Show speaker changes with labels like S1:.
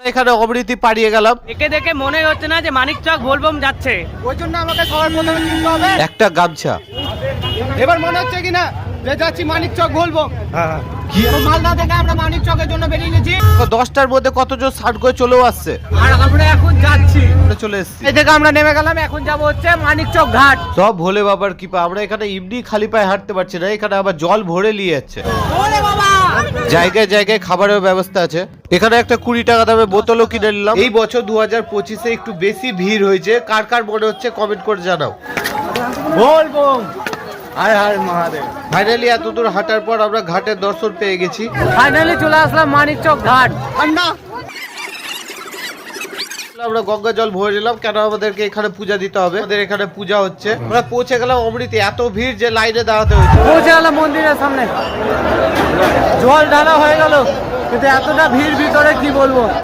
S1: এখানে অমৃতি পাড়িয়ে গেলাম,
S2: একে দেখে মনে হচ্ছে না যে মানিকচক বোলবম যাচ্ছে।
S3: ওই জন্য আমাকে সবার প্রথমে কিনতে হবে।
S1: একটা গামছা।
S3: এবার মনে হচ্ছে কিনা যে যাচ্ছি মানিকচক বলবো। তো মালদা থেকে আমরা মানিকচকের জন্য বেরিয়ে গেছি।
S1: 10টার মধ্যে কতজন স্টার্ট করে চলেও আসছে,
S3: আর আমরা এখন যাচ্ছি,
S1: আমরা চলে এসেছি।
S3: এই থেকে আমরা নেমে গেলাম। এখন যাব হচ্ছে মানিকচক ঘাট।
S1: সব ভোলে বাবার কৃপা। আমরা এখানে এমনি খালি পায়ে হাঁটতে পারছি না, এখানে আবার জল ভরে নিয়ে যাচ্ছে।
S3: ওরে বাবা,
S1: জায়গায় জায়গায় খাবারের ব্যবস্থা আছে। এখানে একটা 20 টাকা দামে বোতলও কিনে নিলাম। এই বছর 2025-এ একটু বেশি ভিড় হয়েছে। কার কার মনে হচ্ছে কমেন্ট করে জানাও।
S3: বলবো। হায় হায় মহাদেব।
S1: ফাইনালি এত দূর হাঁটার পর আমরা ঘাটের দর্শন পেয়ে গেছি।
S3: ফাইনালি চলে আসলাম মানিকচক ঘাট। ঠান্ডা।
S1: আমরা গঙ্গা জল ভরে নিলাম, কেন আমাদেরকে এখানে পূজা দিতে হবে। আমাদের এখানে পূজা হচ্ছে। আমরা পৌঁছে গেলাম অমৃতি। এত ভিড় যে লাইনে দাঁড়াতে হয়েছে।
S3: পৌঁছে গেলাম মন্দিরের সামনে। জল ঢালা হয়ে গেল, কিন্তু এতটা ভিড় ভিতরে কি বলবো।